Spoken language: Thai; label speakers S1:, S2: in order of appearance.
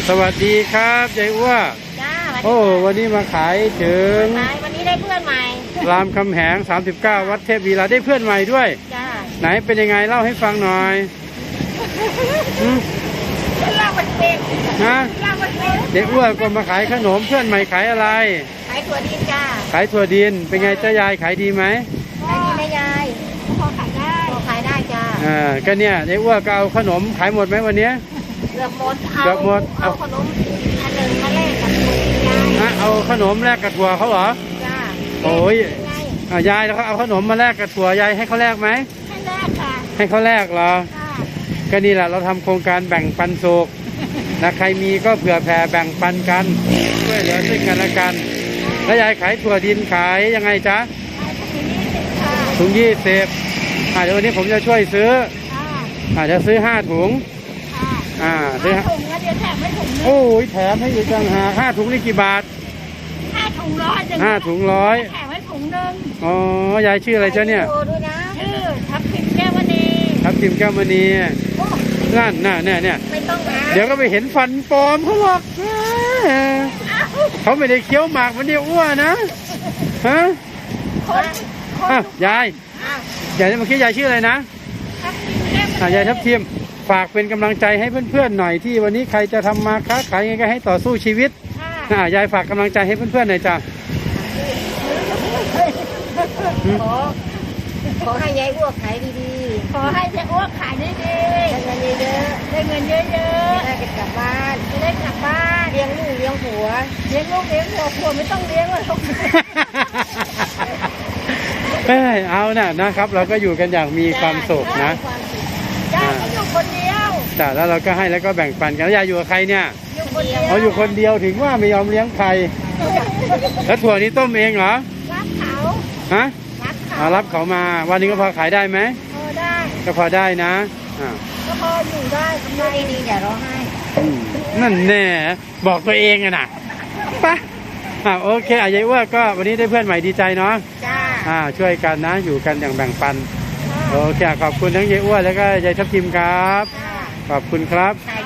S1: สวัสดีครับยายอ้ว
S2: จ้า
S1: โอ้วันนี้มาขายถึง
S2: วันนี้ได้เพื่อนใหม่
S1: รามคำแหง39วัดเทพวีระได้เพื่อนใหม่ด้วย
S2: จ้า
S1: ไหนเป็นยังไงเล่าให้ฟังหน่อย
S2: เล่ามันเป็น
S1: ฮะ
S2: เล่ามันเป็น
S1: ยายอ้วก็มาขายขนมเพื่อนใหม่ขายอะไร
S2: ขายถั่วดินจ้า
S1: ขายถั่วดินเป็นไงจ้ายายขายดีไหม
S2: ขายดีไหมยายพอขายได้พอขายได้จ้า
S1: ก็เนี่ยยายอ้วก็เอาขนมขายหมดไหมวันนี้
S2: เกือบหมด
S1: เอา
S2: ขนมอันหนึ่งมาแลกกับถั่วดินยาย
S1: เอาขนมแลกกับถั่วเขาเหรอ
S2: จ้า
S1: โอ้ยยายแล้วเขาเอาขนมมาแลกกับถั่วยายให้เขาแลกไหม
S2: ให้แลกค่ะ
S1: ให้เขาแลกเหรอก็นี่แหละเราทำโครงการแบ่งปันสุขนะใครมีก็เผื่อแผ่แบ่งปันกันช่วยเหลือซึ่งกันและกันแล้วยายขายถั่วดินขายยังไงจ๊ะถุง20เดี๋ยววันนี้ผมจะช่วยซื้อจะซื้อ5ถุง
S2: ซื้อถุงแล้วเดี๋ยวแถมให้ถุงนึง
S1: โอ้ยแถมให้อีกต่างหาก5ถุงนี่กี่บาท
S2: 5ถุง100
S1: 5ถุง100
S2: แถมให้ถุงนึง
S1: อ๋อยายชื่ออะไรจ๊ะเนี่ย
S2: ชื่อทับทิมแก้วมณี
S1: ทับทิมแก้วมณีนั่นเนี่ย
S2: ไม่ต้องนะ
S1: เดี๋ยวก็ไปเห็นฟันปลอมเขาหรอกเขาไม่ได้เคี้ยวหมากมันเดียวอ้วนนะฮะยายเมื่อกี้ยายชื่ออะไรนะยายทับทิมฝากเป็นกำลังใจให้เพื่อนๆหน่อยที่วันนี้ใครจะทำมาค้าขายยังไงก็ให้ต่อสู้ชีวิตยายฝากกำลังใจให้เพื่อนๆหน่อยจ้ะ
S2: ขอให้ยายอ้วกขายดีๆขอให้ยายอ้วกขายดีๆได้เงินเยอะๆได้เงินเยอะๆได้กลับบ้านจะได้กลับบ้านเลี้ยงลูกเลี้ยงผัวเลี้ยงลูกเลี้ยงผัวไม่ต้องเลี้ยงหรอก
S1: เอานะครับเราก็อยู่กันอย่างมีความสุขนะ
S2: จ้าอยู่คนเดียว
S1: แต่แล้วเราก็ให้แล้วก็แบ่งปันกันแล้วยายอยู่กับใครเนี่ย
S2: อยู่คนเดียว
S1: อยู่คนเดียวถึงว่าไม่ยอมเลี้ยงใครแล้วถั่วนี้ต้มเองเหรอ
S2: รับเขา
S1: ฮะรับเขามาวันนี้ก็พอขายได้ไหม
S2: ได้
S1: ก็พอได้นะ
S2: ก็พออยู่ได้ทำได้ดีอย่าร้องไห้
S1: นั่นแน่บอกตัวเองอะนะปะโอเคยายอ้วก็วันนี้ได้เพื่อนใหม่ดีใจเนาะ
S2: จ้า
S1: ช่วยกันนะอยู่กันอย่างแบ่งปันโอเคขอบคุณทั้งยายอ้วแล้วก็ยายทับทิมครับขอบคุณครับ